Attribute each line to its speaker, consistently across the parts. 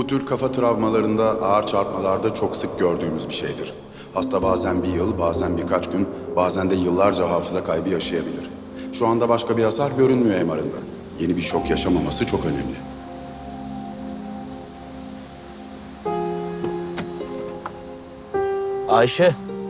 Speaker 1: Bu tür kafa travmalarında, ağır çarpmalarda çok sık gördüğümüz bir şeydir. Hasta bazen bir yıl, bazen birkaç gün, bazen de yıllarca hafıza kaybı yaşayabilir. Şu anda başka bir hasar görünmüyor MR'ında. Yeni bir şok yaşamaması çok önemli.
Speaker 2: Ayşe.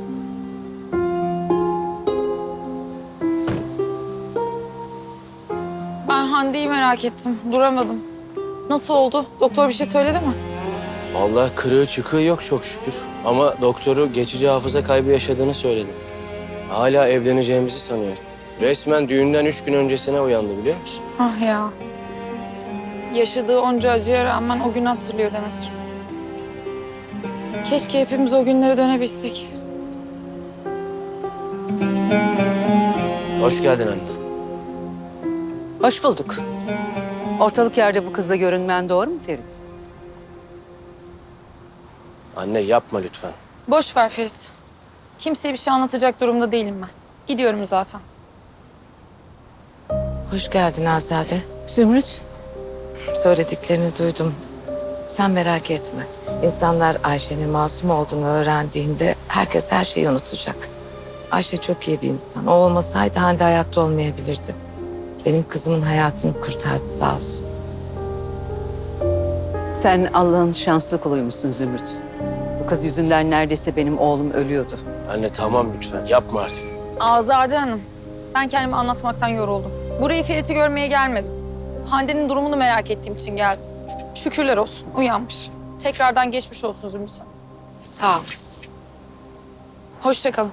Speaker 3: Ben Hande'yi merak ettim. Duramadım. Nasıl oldu? Doktor bir şey söyledi mi?
Speaker 2: Vallahi kırığı çıkığı yok çok şükür. Ama doktoru geçici hafıza kaybı yaşadığını söyledi. Hala evleneceğimizi sanıyor. Resmen düğünden 3 gün öncesine uyandı biliyor musun?
Speaker 3: Ah ya. Yaşadığı onca acıya rağmen o günü hatırlıyor demek ki. Keşke hepimiz o günlere dönebilsek.
Speaker 2: Hoş geldin anne.
Speaker 4: Hoş bulduk. Ortalık yerde bu kızla görünmen doğru mu Ferit?
Speaker 2: Anne yapma lütfen.
Speaker 3: Boş ver Ferit. Kimseye bir şey anlatacak durumda değilim ben. Gidiyorum zaten.
Speaker 5: Hoş geldin Azade.
Speaker 4: Zümrüt.
Speaker 5: Söylediklerini duydum. Sen merak etme. İnsanlar Ayşe'nin masum olduğunu öğrendiğinde herkes her şeyi unutacak. Ayşe çok iyi bir insan. O olmasaydı Hande hayatta olmayabilirdi. Benim kızımın hayatını kurtardı sağ olsun.
Speaker 4: Sen Allah'ın şanslı kuluymuşsun Zümrüt. Bu kız yüzünden neredeyse benim oğlum ölüyordu.
Speaker 2: Anne tamam lütfen yapma artık.
Speaker 3: Azade Hanım. Ben kendimi anlatmaktan yoruldum. Buraya Ferit'i görmeye gelmedim. Hande'nin durumunu merak ettiğim için geldim. Şükürler olsun. Uyanmış. Tekrardan geçmiş olsun Zümrüt Hanım.
Speaker 5: Sağ olasın.
Speaker 3: Hoşça kalın.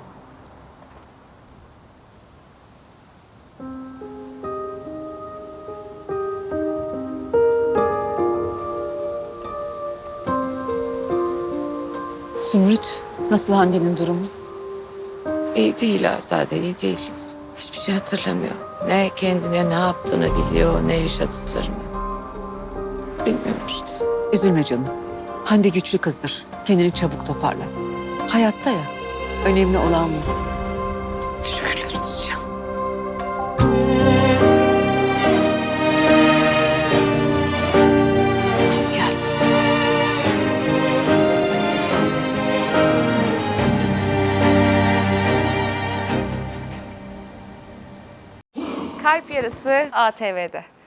Speaker 4: Zümrüt, nasıl Hande'nin durumu?
Speaker 5: İyi değil Azade, iyi değil. Hiçbir şey hatırlamıyor. Ne kendine ne yaptığını biliyor, ne yaşadıklarını. Bilmiyorum işte.
Speaker 4: Üzülme canım. Hande güçlü kızdır. Kendini çabuk toparlar. Hayatta ya. Önemli olan bu.
Speaker 5: Şükürler olsun. Hadi gel.
Speaker 6: Kalp Yarısı ATV'de.